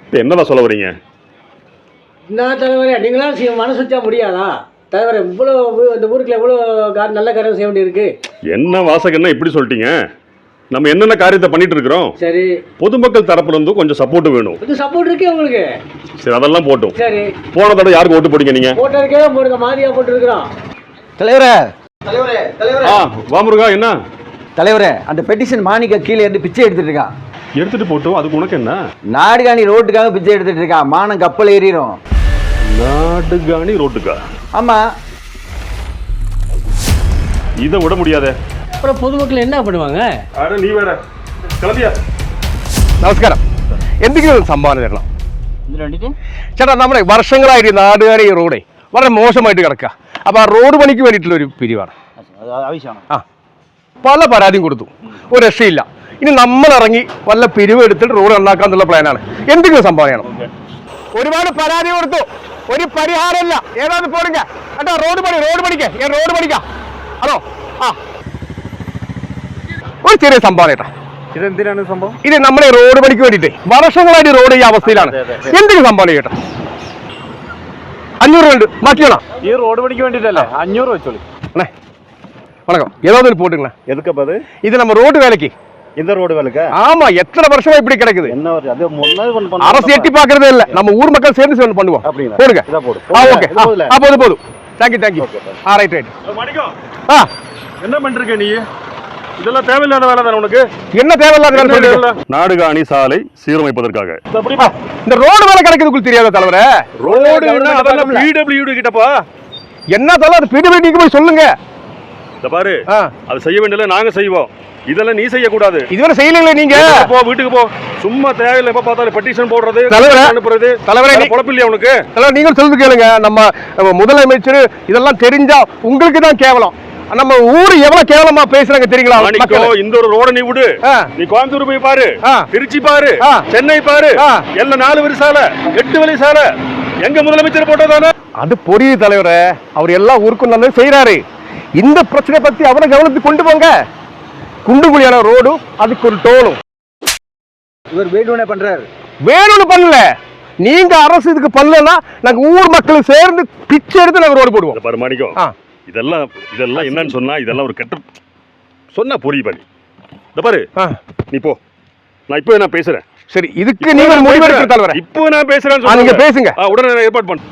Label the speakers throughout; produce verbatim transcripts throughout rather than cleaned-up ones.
Speaker 1: இப்போ என்னதான் சொல்ல வரீங்க?
Speaker 2: என்ன தலைவரே, நீங்களாம் மனசு வச்சா முடியாதா தலைவரே? இவ்வளோ இந்த ஊருக்குள்ள எவ்வளோ நல்ல காரியம் செய்ய வேண்டியிருக்கு.
Speaker 1: என்ன வாசகம் என்ன இப்படி சொல்லிட்டீங்க? நம்ம என்னென்ன காரியத்தை பண்ணிட்டு இருக்கிறோம்.
Speaker 2: சரி,
Speaker 1: பொதுமக்கள் தரப்புல இருந்து கொஞ்சம் சப்போர்ட் வேணும்.
Speaker 2: கொஞ்சம் சப்போர்ட் இருக்கே உங்களுக்கு.
Speaker 1: சரி, அதெல்லாம் போட்டும்.
Speaker 2: சரி,
Speaker 1: போன தடவை யாருக்கு ஓட்டு போட்டீங்க நீங்க?
Speaker 2: போட்டதுக்கே போடுங்க, மாதிரியா போட்டுருக்கிறோம்.
Speaker 3: தலைவரே தலைவரே தலைவரே
Speaker 1: ஆ வா முருகா. என்ன
Speaker 3: தலைவரே, அந்த பெட்டிஷன் மாணிக்க கீழே இருந்து பிச்சை எடுத்துட்டு இருக்கான்.
Speaker 1: எடுத்துட்டு போட்டோம், அதுக்கு உனக்கு என்ன?
Speaker 3: நாடுகாணி ரோட்டுக்காக பிச்சை எடுத்துட்டு இருக்கான். மானம் கப்பல் ஏறிடும்.
Speaker 1: நாடுகாணி ரோட்டுக்கா?
Speaker 3: ஆமா,
Speaker 1: இதை விட முடியாதே.
Speaker 2: அப்புறம் பொதுமக்கள் என்ன பண்ணுவாங்க?
Speaker 1: அட நீ வேற கிளம்பியா.
Speaker 4: നമസ്കാരം. എന്തെങ്കിലും ഒരു സംഭാവന തരണം ചേട്ടാ. നമ്മുടെ വർഷങ്ങളായിട്ട് നാടുകാരി റോഡേ വളരെ മോശമായിട്ട് കിടക്കുക. അപ്പോൾ ആ റോഡ് പണിക്ക് വേണ്ടിയിട്ടുള്ള ഒരു പിരിവാണ്. ആ പല പരാതിയും കൊടുത്തു, ഒരു രക്ഷയില്ല. ഇനി നമ്മൾ ഇറങ്ങി വല്ല പിരിവ് എടുത്തിട്ട് റോഡ് നന്നാക്കാന്നുള്ള പ്ലാനാണ്. എന്തെങ്കിലും സംഭാവന ചെയ്യണം. ഒരുപാട് പരാതി കൊടുത്തു, ഒരു പരിഹാരമില്ല. ഏതാന്ന് പോടുങ്ക കേട്ടോ. റോഡ് പണി റോഡ് പണിക്ക് റോഡ് പണിക്കാം. അതോ ആ ഒരു ചെറിയ സംഭാവന കേട്ടോ.
Speaker 5: ഇതെന്തിനാണ് സംഭവം?
Speaker 4: ഇത് നമ്മുടെ റോഡ് പണിക്ക് വേണ്ടിയിട്ട് വർഷങ്ങളായിട്ട് റോഡ് ഈ അവസ്ഥയിലാണ്. എന്തെങ്കിലും സംഭാവന കേട്ടോ. അഞ്ഞൂറ് ഉണ്ട്, മാറ്റിയാണോ?
Speaker 5: ഈ റോഡ് പണിക്ക് വേണ്ടിട്ടല്ലേ? അഞ്ഞൂറ് വെച്ചോളി.
Speaker 4: வணக்கம். ஏதாவது போட்டுங்களேன்.
Speaker 5: எதுக்கு அது?
Speaker 4: இது நம்ம ரோடு வேலைக்கு.
Speaker 5: இந்த ரோடு வேலைக்கு?
Speaker 4: ஆமா, எத்தனை வருஷமா இப்படி கிடக்குது.
Speaker 5: என்ன வருது? அது முன்னாடி
Speaker 4: அரசு எட்டி பாக்குறதே இல்ல. நம்ம ஊர் மக்கள் சேர்ந்து சேர்ந்து பண்ணுவோம். போடுங்க.
Speaker 5: இத போடு.
Speaker 4: ஆ ஓகே. ஆ போடு போடு. Thank you thank you. ஆ ரைட் ரைட்.
Speaker 1: மணிக்கம்.
Speaker 4: ஆ
Speaker 1: என்ன பண்றீங்க நீ? இதெல்லாம் தேவையில்லாத வேலை தானே உனக்கு?
Speaker 4: என்ன தேவையில்லாத வேலை சொல்றீங்க?
Speaker 1: நாடுகாணி சாலை சீரமைப்பதற்காக
Speaker 4: இந்த ரோடு வேலை கிடைக்குதுக்கு தெரியாத தலைவரே.
Speaker 1: ரோடு அதெல்லாம் பிடபிள்யூடி கிட்டப்பா.
Speaker 4: என்ன தல அது பிடபிள்யூடிக்கு போய் சொல்லுங்க.
Speaker 1: இத பாரு, அது செய்ய வேண்டியல நாங்க செய்வோம். இதெல்லாம் நீ செய்ய கூடாது.
Speaker 4: இதுவரை செய்யலீங்களே நீங்க.
Speaker 1: போ வீட்டுக்கு போ. சும்மா தேவையில்லை எப்ப பார்த்தாலும் பெட்டிஷன் போடுறது, அனுப்புறது.
Speaker 4: தலைவரே
Speaker 1: குழப்பில்லையா உனக்கு?
Speaker 4: தலைவர் நீங்க சொல்றது கேளுங்க. நம்ம முதலமைச்சர் இதெல்லாம் தெரிஞ்சா உங்களுக்கு தான் கேவலம். நம்ம ஊரு எவ்வளவு கேவலமா பேசுறாங்க தெரியுங்களா?
Speaker 1: இந்த ஒரு ரோட நீ விடு. நீ கோயம்புத்தூர் போய் பாரு, திருச்சி பாரு, சென்னை பாரு, எல்லாம் நாலு வழி சாலை, எட்டு வழி சாலை. எங்க முதலமைச்சர் போட்டதானே?
Speaker 4: அது புரியுது தலைவரே. அவர் எல்லாம் ஊருக்கும் நல்லது செய்யறாரு. இந்த பிரச்சனை பத்தி அவரை கவனத்துக்கு கொண்டு போங்க. குண்டுகுழியான ரோடு, அதுக்கு ஒரு டோலும்.
Speaker 3: இவர் வேணும்னே பண்றாரு.
Speaker 4: வேணும்னு பண்ணல, நீங்க அரசு இதுக்கு பண்ணலன்னா நாங்க ஊர் மக்கள் சேர்ந்து பிச்சை எடுத்து நாங்க ரோடு போடுவோம்.
Speaker 1: பாரு மாணிக்கம், இதெல்லாம் இதெல்லாம் என்னன்னு சொன்னா இதெல்லாம் ஒரு கெட்ட சொன்னா புரிய பண்ணி. இந்த பாரு, நீ போ. நான் இப்போ நான் பேசுறேன்.
Speaker 4: சரி, இதுக்கு நீங்க ஒரு முடிவு எடுத்து தலைவரே.
Speaker 1: இப்போ நான் பேசுறேன்னு
Speaker 4: நீங்க பேசுங்க.
Speaker 1: உடனே நான் ஏற்பாடு பண்ணு.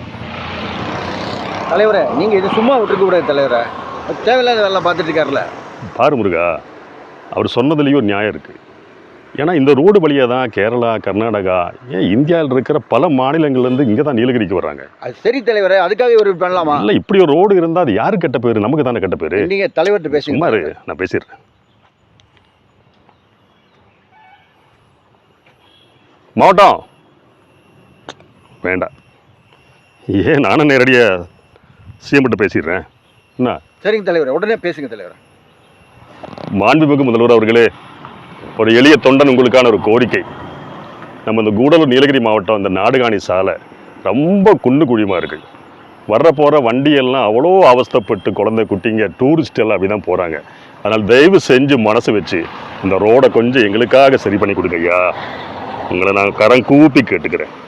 Speaker 3: தலைவரே, நீங்க இது சும்மா விட்டுருக்க கூடாது தலைவரே. தேவையில்லாத வேலை பார்த்துட்டு இருக்காருல்ல.
Speaker 1: பாரு முருகா, அவர் சொன்னதுலேயும் ஒரு நியாயம் இருக்கு. ஏன்னா இந்த ரோடு வழியாக தான் கேரளா, கர்நாடகா, ஏன் இந்தியாவில் இருக்கிற பல மாநிலங்கள்லேருந்து இங்கே தான் நீலகிரிக்கு வர்றாங்க.
Speaker 3: அது சரி தலைவரே, அதுக்காக ஒரு பண்ணலாமா?
Speaker 1: இல்லை, இப்படி ஒரு ரோடு இருந்தால் அது யாருக்கு கெட்ட பேர்? நமக்கு தானே கெட்ட பேர்.
Speaker 3: நீங்கள் தலைவர்கிட்ட பேசுங்க.
Speaker 1: சும்மா நான் பேசிடுறேன். மாவட்டம் வேண்டாம், ஏன் நானும் நேரடியாக சிஎம்கிட்ட பேசிடுறேன். என்ன?
Speaker 3: சரிங்க தலைவரே, உடனே பேசுங்க தலைவரே.
Speaker 1: மாண்புமிகு முதல்வர் அவர்களே, ஒரு எளிய தொண்டன் உங்களுக்கான ஒரு கோரிக்கை. நம்ம இந்த கூடலூர் நீலகிரி மாவட்டம் இந்த நாடுகாணி சாலை ரொம்ப குண்டு குழியுமா இருக்குது. வர்ற போகிற வண்டியெல்லாம் அவ்வளோ அவஸ்தைப்பட்டு குழந்தை குட்டிங்க டூரிஸ்ட் எல்லாம் அப்படி தான் போகிறாங்க. அதனால் தயவு செஞ்சு மனசு வச்சு இந்த ரோடை கொஞ்சம் எங்களுக்காக சரி பண்ணி கொடுங்க ஐயா. உங்களை நான் கரம் கூப்பி கேட்டுக்கிறேன்.